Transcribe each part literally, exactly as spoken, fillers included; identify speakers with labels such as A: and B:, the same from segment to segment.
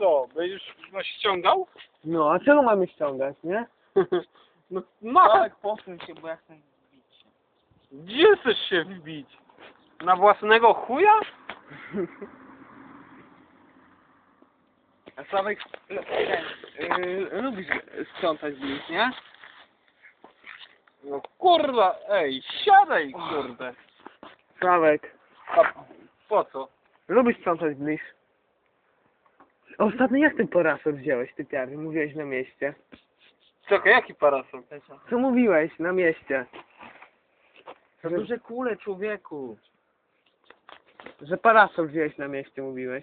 A: co? Będziesz no, ściągał?
B: No, a czego mamy ściągać, nie?
A: No, no
C: Tak, posuń się, bo ja chcę wbić się.
A: gdzie chcesz się wbić? Na własnego chuja?
C: A Sławek, no, ten, yy, lubisz sprzątać bliź, nie?
A: No kurwa, ej, siadaj kurde.
B: Sławek,
A: A po co?
B: lubisz sprzątać bliż? Ostatnio jak ten parasol wziąłeś, ty piary? Mówiłeś na mieście.
A: Czekaj, jaki parasol?
B: Co mówiłeś na mieście?
C: Za duże kule, człowieku.
B: Że parasol wziąłeś na mieście, mówiłeś.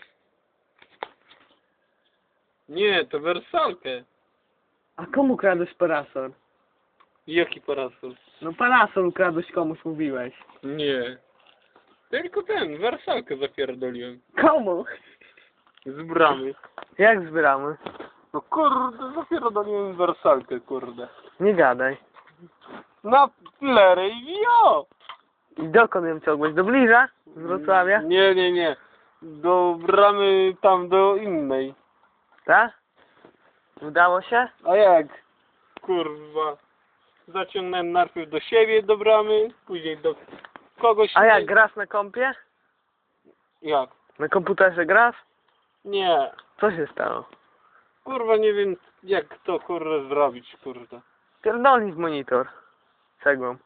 A: Nie, to wersalkę.
B: A komu kradłeś parasol?
A: Jaki parasol?
B: No parasol kradłeś komuś, mówiłeś.
A: Nie. Tylko ten, wersalkę zapierdoliłem.
B: Komu?
A: Z bramy.
B: Jak zbieramy?
A: No kurde, zapierdoliłem wersalkę, kurde.
B: Nie gadaj.
A: Na plery i wio!
B: I dokąd ją ciągłeś? Do bliża? Z Wrocławia?
A: Nie, nie, nie. Do bramy tam do innej.
B: Tak? Udało się?
A: A jak? Kurwa. Zaciągnąłem najpierw do siebie do bramy, później do kogoś.
B: A jak, grasz na kompie?
A: Jak?
B: Na komputerze grasz?
A: Nie.
B: Co się stało?
A: Kurwa nie wiem jak to kurwa zrobić, kurde.
B: Pierdolnij w monitor. Cegłą.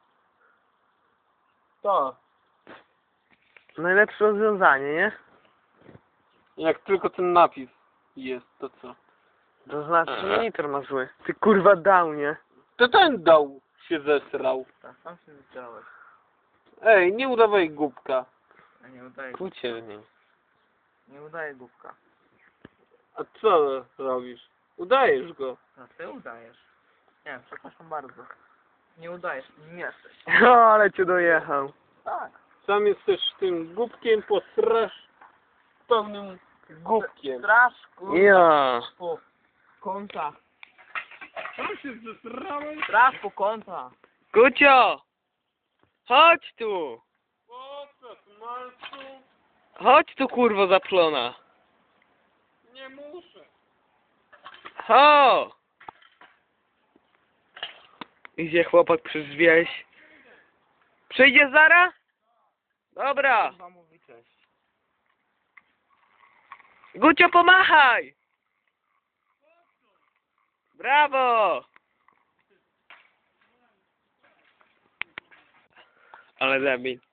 A: Tak.
B: Najlepsze rozwiązanie, nie?
A: Jak tylko ten napis jest, to co?
B: To znaczy, że monitor ma zły. Ty kurwa downie.
A: To ten dał się zesrał.
C: Tak, sam się zesrałeś.
A: Ej, nie udawaj głupka.
C: A nie udaje,
A: Pójdźcie z nim.
C: nie udaje głupka.
A: A co robisz? Udajesz go.
C: No ty udajesz. Nie, przepraszam bardzo. Nie udajesz, nim jesteś.
B: O, ale cię dojechał.
C: Tak.
A: Sam jesteś tym głupkiem, posrasz pełnym głupkiem.
C: Straszku.
B: Ja.
C: Po kątach.
A: Sam się zesrałeś?
C: Strasz po kątach.
B: Gucio! Chodź tu!
A: Po co, smalcu?
B: Chodź tu kurwo zaplona.
A: Nie muszę.
B: Ho! Idzie chłopak przez wieś. Przyjdzie zara? Dobra.
C: Chyba mówi cześć.
B: Gucio, pomachaj! Brawo! Ale debil.